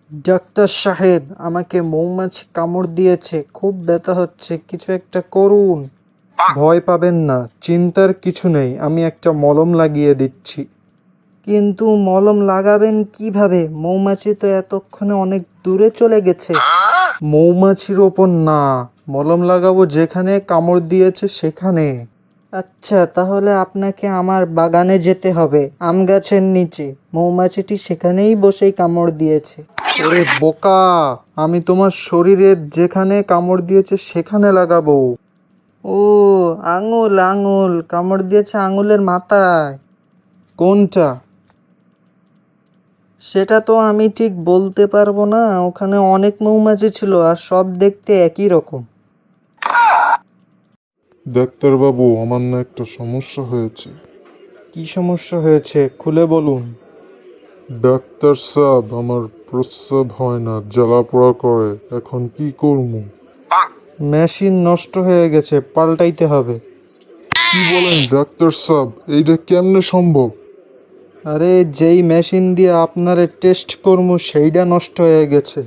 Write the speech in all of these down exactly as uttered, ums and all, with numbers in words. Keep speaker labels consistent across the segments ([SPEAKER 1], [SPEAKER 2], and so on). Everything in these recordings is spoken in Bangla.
[SPEAKER 1] ডাক্তার সাহেব, আমাকে মৌমাছি কামড় দিয়েছে, খুব ব্যথা হচ্ছে, কিছু একটা করুন। ভয় পাবেন না, চিন্তার কিছু নেই, আমি একটা মলম লাগিয়ে দিচ্ছি। কিন্তু মলম লাগাবেন কিভাবে? মৌমাছি তো এতক্ষণে অনেক দূরে চলে গেছে। মৌমাছির ওপর না, মলম লাগাবো যেখানে কামড় দিয়েছে সেখানে। আচ্ছা, তাহলে আপনাকে আমার বাগানে যেতে হবে, আম গাছের নিচে। মৌমাছিটি সেখানেই বসেই কামড় দিয়েছে। ওরে বোকা, আমি তোমার শরীরের যেখানে কামড় দিয়েছে সেখানে লাগাবো। ও, আঙুল আঙুল কামড় দিয়েছে, আঙুলের মাথায়। কোনটা? সেটা তো আমি ঠিক বলতে পারবো না, ওখানে অনেক মৌমাছি ছিল আর সব দেখতে একই রকম।
[SPEAKER 2] ডাক্তারবাবু, আমার না একটা সমস্যা হয়েছে।
[SPEAKER 1] কি সমস্যা হয়েছে, খুলে বলুন।
[SPEAKER 2] ডাক্তার সাহেব, আমার প্রস্রাব হয় না, জ্বালা পোড়া করে, এখন কি করবো?
[SPEAKER 1] মেশিন নষ্ট হয়ে গেছে, পাল্টাইতে হবে।
[SPEAKER 2] কি বলেন ডাক্তার সাহেব, এইটা কেমনে সম্ভব?
[SPEAKER 1] আরে, যেই মেশিন দিয়ে আপনারে টেস্ট করবো সেইটা নষ্ট হয়ে গেছে।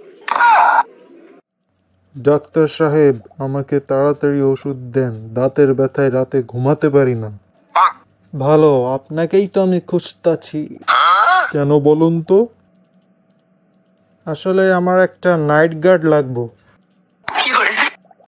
[SPEAKER 2] ডাক্তার সাহেব, আমাকে তাড়াতাড়ি ওষুধ দেন, দাঁতের ব্যথায় রাতে ঘুমাতে পারি না।
[SPEAKER 1] ভালো, আপনাকেই তো আমি খুঁজতাছি।
[SPEAKER 2] কেন বলুন তো?
[SPEAKER 1] আসলে আমার একটা নাইট গার্ড লাগবো।